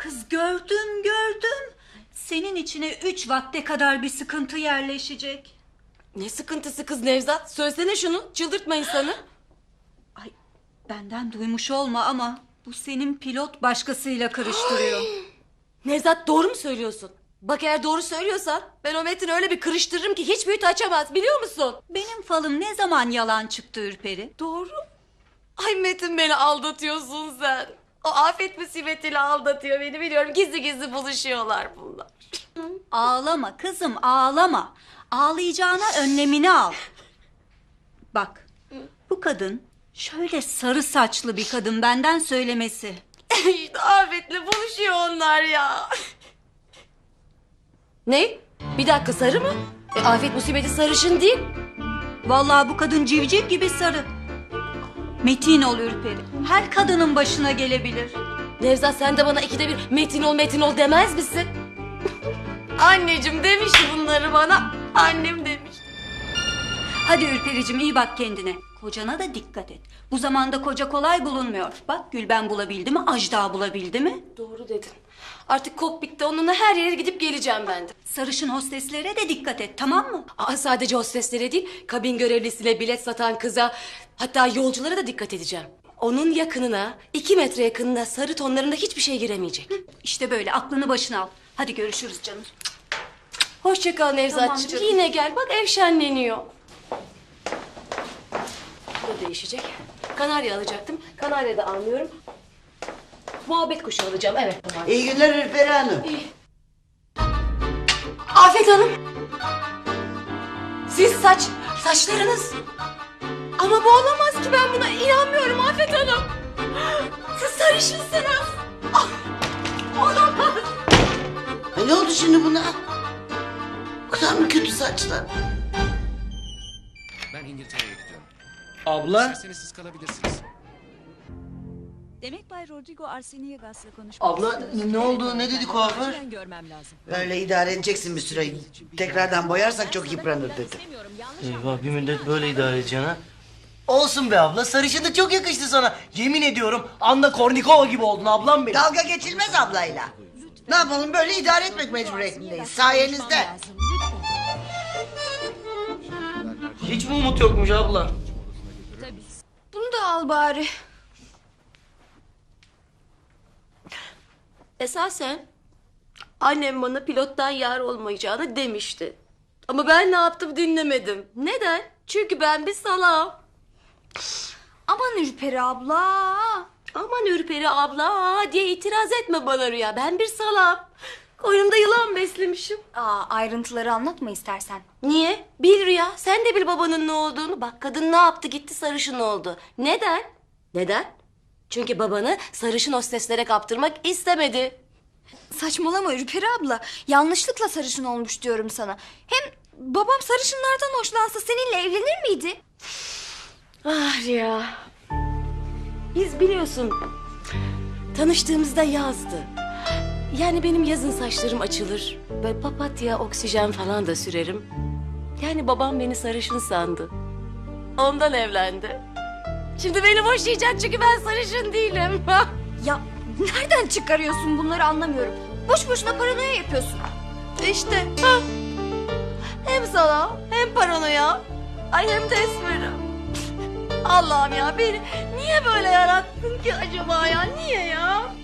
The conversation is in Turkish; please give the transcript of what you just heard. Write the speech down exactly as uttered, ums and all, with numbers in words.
Kız gördüm gördüm. Senin içine üç vakte kadar bir sıkıntı yerleşecek. Ne sıkıntısı kız Nevzat? Söylesene şunu, çıldırtma insanı. Ay benden duymuş olma ama bu senin pilot başkasıyla karıştırıyor. Nevzat doğru mu söylüyorsun? Bak eğer doğru söylüyorsan ben o Metin'i öyle bir kırıştırırım ki hiç büyüt açamaz, biliyor musun? Benim falım ne zaman yalan çıktı Ürperi? Doğru. Ay Metin, beni aldatıyorsun sen. O afet musibetiyle aldatıyor beni, biliyorum. Gizli gizli buluşuyorlar bunlar. Ağlama kızım ağlama. Ağlayacağına önlemini al. Bak bu kadın şöyle sarı saçlı bir kadın benden söylemesi. İşte afetle buluşuyor onlar ya. Ne? Bir dakika, sarı mı? E, afet musibeti sarışın değil. Vallahi bu kadın civciv gibi sarı. Metin ol Ürperi. Her kadının başına gelebilir. Nevzat, sen de bana ikide bir Metin ol Metin ol demez misin? Anneciğim demişti bunları bana. Annem demiş. Hadi Ürpericim iyi bak kendine. Kocana da dikkat et. Bu zamanda koca kolay bulunmuyor. Bak Gülben bulabildi mi? Ajda bulabildi mi? Doğru dedin. Artık kokpitte onunla her yere gidip geleceğim ben de. Sarışın hosteslere de dikkat et tamam mı? Aa, sadece hosteslere değil, kabin görevlisine, bilet satan kıza, hatta yolculara da dikkat edeceğim. Onun yakınına, iki metre yakınına sarı tonlarında hiçbir şey giremeyecek. İşte böyle aklını başına al. Hadi görüşürüz canım. Hoşça kal Nevzatçığım. Tamam canım. Yine gel, bak ev şenleniyor. Bu değişecek. Kanarya alacaktım. Kanarya da almıyorum. Muhabbet kuşu alacağım, evet. İyi günler Ürperi Hanım. Afet Hanım. Siz saç, saçlarınız. Ama bu olamaz ki, ben buna inanmıyorum Afet Hanım. Siz sarışınsınız. Ah, olamaz. Ha, ne oldu şimdi buna? O kadar mı kötü saçlar? Ben İngiltere'ye gidiyorum. Abla? İsterseniz siz kalabilirsiniz. Demek Bay Rodrigo Arseniegas'la konuşmak Abla, istiyorsun. ne oldu? Ne dedi kuaför? Ben görmem lazım. Böyle idare edeceksin bir süre. Tekrardan boyarsak çok yıpranır dedi. İstemiyorum, yanlış Eyvah, bir müddet böyle idare edeceksin ha. Olsun be abla, sarışınlık çok yakıştı sana. Yemin ediyorum Anna Kournikova gibi oldun ablam benim. Dalga geçilmez ablayla. Ne yapalım, böyle idare etmek mecburiyetindeyiz. Sayenizde. Hiç mi umut yokmuş abla? Bunu da al bari. Esasen annem bana pilottan yar olmayacağını demişti. Ama ben ne yaptım dinlemedim. Neden? Çünkü ben bir salağım. Aman Ürperi abla. Aman Ürperi abla diye itiraz etme bana Rüya. Ben bir salağım. Koynumda yılan beslemişim. Aa, ayrıntıları anlatma istersen. Niye? Bil Rüya. Sen de bil babanın ne olduğunu. Bak, kadın ne yaptı, gitti sarışın oldu. Neden? Neden? Çünkü babanı sarışın hosteslere kaptırmak istemedi. Saçmalama Ürperi abla. Yanlışlıkla sarışın olmuş diyorum sana. Hem babam sarışınlardan hoşlansa seninle evlenir miydi? Ah Rüya. Biz biliyorsun tanıştığımızda yazdı. Yani benim yazın saçlarım açılır. Böyle papatya, oksijen falan da sürerim. Yani babam beni sarışın sandı. Ondan evlendi. Şimdi beni boşayacak çünkü ben sarışın değilim. Ya nereden çıkarıyorsun bunları anlamıyorum. Boş boşuna paranoya yapıyorsun. İşte. Ha. Hem sana hem paranoya. Ay hem de esmerim. Allah'ım ya, beni niye böyle yarattın ki acaba ya? Niye ya?